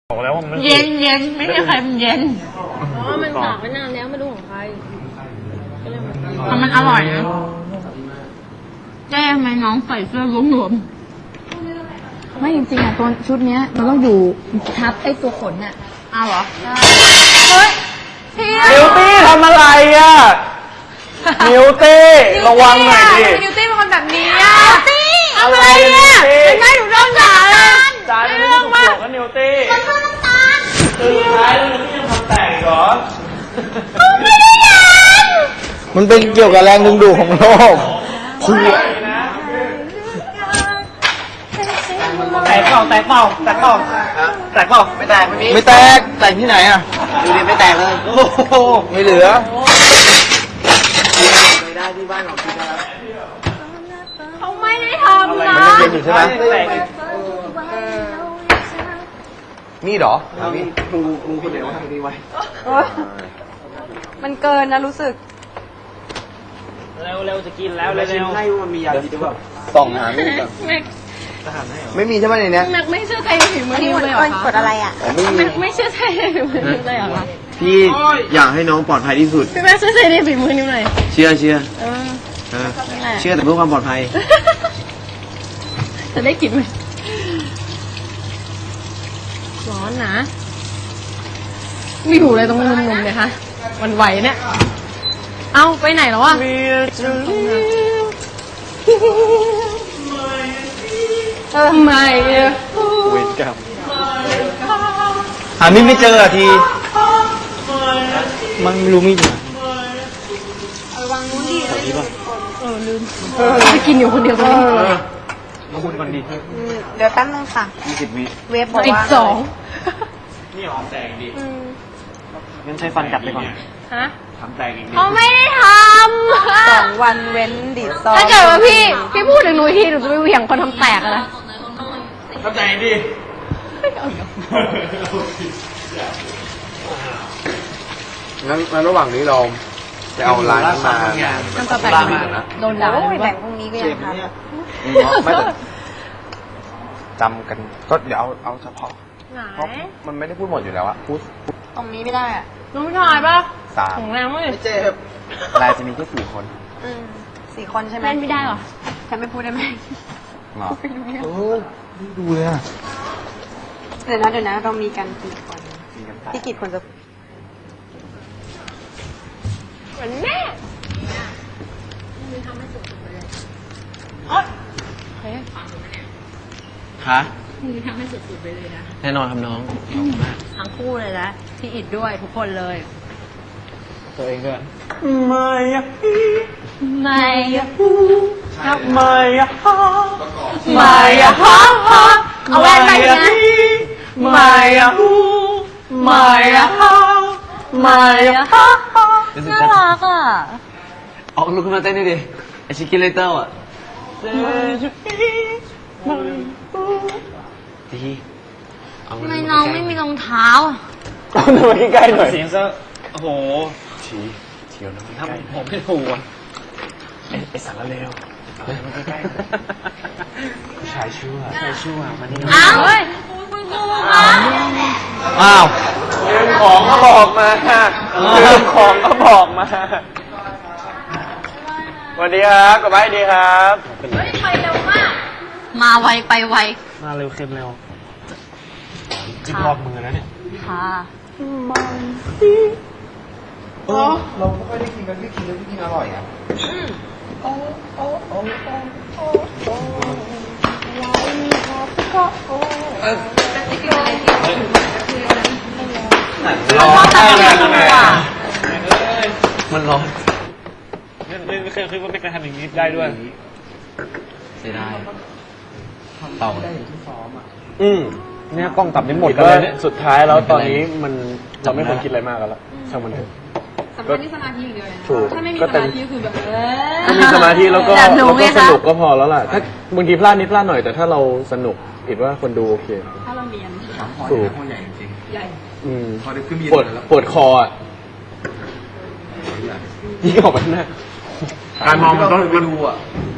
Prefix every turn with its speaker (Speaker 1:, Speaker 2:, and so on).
Speaker 1: บอกแล้วว่ามัน
Speaker 2: เย็นเย็นไม่ใช่ใครมันเย็น
Speaker 3: อ๋อมันตากไว้นานแล้วไม่รู้ของใคร
Speaker 2: แต่มันอร่อยนะแก้ไหมน้องใส่เสื้อหลวม
Speaker 3: ไม่จริงๆอ่ะตัวชุดเนี้ยมันต้องอยู่ทับไอ้ตัวขนอ่ะ
Speaker 2: เอาเหรอเฮ้ยพี่
Speaker 1: นิวตี้ทำอะไรอ่ะนิวตี้ระวังหน่อยดิ
Speaker 2: นิวตี้เป็นคนแบบนี้อ่ะนิวตี้อะไรเนี่ยเป็นไงหนูโดนด่าเลย
Speaker 1: จานนี้ถูกโกรธกันนิวตี้
Speaker 2: มันคือน้ำตาล
Speaker 1: คือสุดท้ายแล้วนิวตี้ยังทำแตกอีกเหรอ
Speaker 2: ไม่ได้ยัน
Speaker 4: มันเป็นเกี่ยวกับแรงดึงดูดของโลกคุย
Speaker 1: แตกเปล่าแตกเปล่าแตกเปล่าแตกเปล่า
Speaker 4: ไม่แตกไม่แตกแตกที่ไหนอ่ะดูดิไม่แตกเลยโอ้โหไม่เหลือไม่ได้ที่บ้านของพี่นะครับ
Speaker 2: เขาไม่ได้ทำนะ
Speaker 4: มันยังเป็นอยู่ใช่ไหมนี่เหรอนี่ครูคนเดียวทำดีไว้
Speaker 3: มันเกินนะรู้สึก
Speaker 1: เร็วจะกินแล้วเร็ว
Speaker 4: ให้มันมียาดีหรือเปล่าส่องหาไม่ได้ไม่มีใช่ไหมในนี้
Speaker 2: แม็กไม่เชื่อใจในฝีมือนิวเลยเหรอคะ
Speaker 3: กดอะไรอ่ะ
Speaker 2: ไม่เชื่อใจในฝีมือนิวเลยเหรอคะ
Speaker 4: พี่อยากให้น้องปลอดภัยที่สุด
Speaker 2: พี่แม็กเชื่อใจในฝีมือนิวหน่อย
Speaker 4: เชื่อเชื่อแต่เพื่อความปลอดภัย
Speaker 2: จะได้กินไหมร้อนนะมีหูอะไรตรงมุมๆเนี่ยคะมันไหวเนี่ยเอาไปไหนแล้ววะไม่
Speaker 4: เวรกรรมหามิไม่เจอทีมันไม่รู้มิอยู่
Speaker 3: วางนู้นดิ
Speaker 2: ลืมจะกินอยู่คนเดียวตรงนี้
Speaker 1: มาพูดก่อนดี
Speaker 3: เดี๋ยวแป๊บนึงค่ะ
Speaker 4: 20 วิ
Speaker 3: เวฟบอกว่า
Speaker 2: อีก2
Speaker 1: นี่หอมแตกดีงั้นใช้ฟันจับไปก่อน
Speaker 2: ฮะ
Speaker 1: ทำแตกอีกดี
Speaker 2: เขาไม่ได้ทำ
Speaker 3: 2 วันเว้นดีดซอง
Speaker 2: ถ้าเกิดว่าพี่พูดถึงหนูทีหนูจะไปเหวี่ยงคนทำแตกอะไร
Speaker 1: ทำแตกดี
Speaker 4: งั้นระหว่างนี้เราจะเอาลายมา
Speaker 2: ทำแตกโดนด่า
Speaker 3: แบ่งพรุ่งนี้ก็ยังทัน
Speaker 4: ไม่จำกันก็เดี๋ยวเอาเฉพาะเพราะมันไม่ได้พูดหมดอยู่แล้วอะพูด
Speaker 3: ตรงนี้ไม่ได้อ่ะ
Speaker 2: น้องชายป่ะ
Speaker 4: 3
Speaker 2: ของแรงไม่
Speaker 4: เจ็บลายจะมีแค่4 คน
Speaker 3: 4 คนใช่ไหม
Speaker 2: เล่นไม่ได้หรอ
Speaker 3: ฉันไม่พูดได้ไหม
Speaker 4: หรอดูเลยอะ
Speaker 3: เดี๋ยวนะเรามีกันกี่คนที่กี่คนจะ
Speaker 2: เหมือนแม่
Speaker 4: ฮะ
Speaker 2: นี่ทำให้สุดๆไปเลยนะ
Speaker 4: แน่นอนครับน้อง
Speaker 2: ทั้งคู่เลยนะพี่อิดด้วยทุกคนเลย
Speaker 4: ตัวเองด้วย
Speaker 1: ไม่อะ
Speaker 2: ไม่อะ
Speaker 1: ไม่อะ
Speaker 2: ไม่อะเอาแว่นไปนะ
Speaker 1: ไม่อะไม่อะไม่อะ
Speaker 2: น่ารักอ่ะ
Speaker 4: ออกลุกขึ้นมาเต้นดิไอชิคกี้เลเตอร์อ่ะดี
Speaker 2: ทำไมน้องไม่มีรองเท้า
Speaker 4: ก็ทำไมใกล้ๆหน่อย
Speaker 1: เสียงซะโอ้โห
Speaker 4: เฉียวนะ
Speaker 1: ทำผมไม่ถูกอ่ะไอสารเลวใกล้
Speaker 4: ๆชายชั่วมันนี่
Speaker 2: อ้าว
Speaker 4: อ้าว
Speaker 1: ลืมของก็บอกมาลืมของก็บอกมาสวัสดีครับกลับบ้านดีครับ
Speaker 2: ไปเร็วมากมาไวไปไว
Speaker 1: มาเร็วเข้มเร็วจิ้มรอบมือแล้วเนี่ย
Speaker 2: ค่ะ
Speaker 4: เราไม่ค่อยได้กินกันพี่กินอร่อยอ่ะมันร้อน
Speaker 1: ไม่เคยคิดว่าไม่เคยทำอย่างนี้ได้ด้วย
Speaker 4: เสียดายเต่า
Speaker 1: เนี่ยกล้องตับนี้หมดเลยเนี่ยสุดท้ายแล้วตอนนี้มันเราไม่ควรคิดอะไรมากกันแล้วช่างมันเถอะ
Speaker 2: สำคัญที่สมาธิอย่างเดียวเลยนะ
Speaker 1: ถูก
Speaker 2: ถ้าไม่มีสมาธิคือแบบ
Speaker 1: มีสมาธิแล้วก็สนุกก็พอแล้วล่ะถ้าบางทีพลาดนิดพลาดหน่อยแต่ถ้าเราสนุกคิดว่าคนดูโอเค
Speaker 2: ถ้าเราเรียน
Speaker 4: ถูกใหญ่จริง
Speaker 2: ใหญ่
Speaker 4: ปวดคออ่ะ
Speaker 1: ยิ่งออกไปหน้าการมองมันต้องดูอ่ะ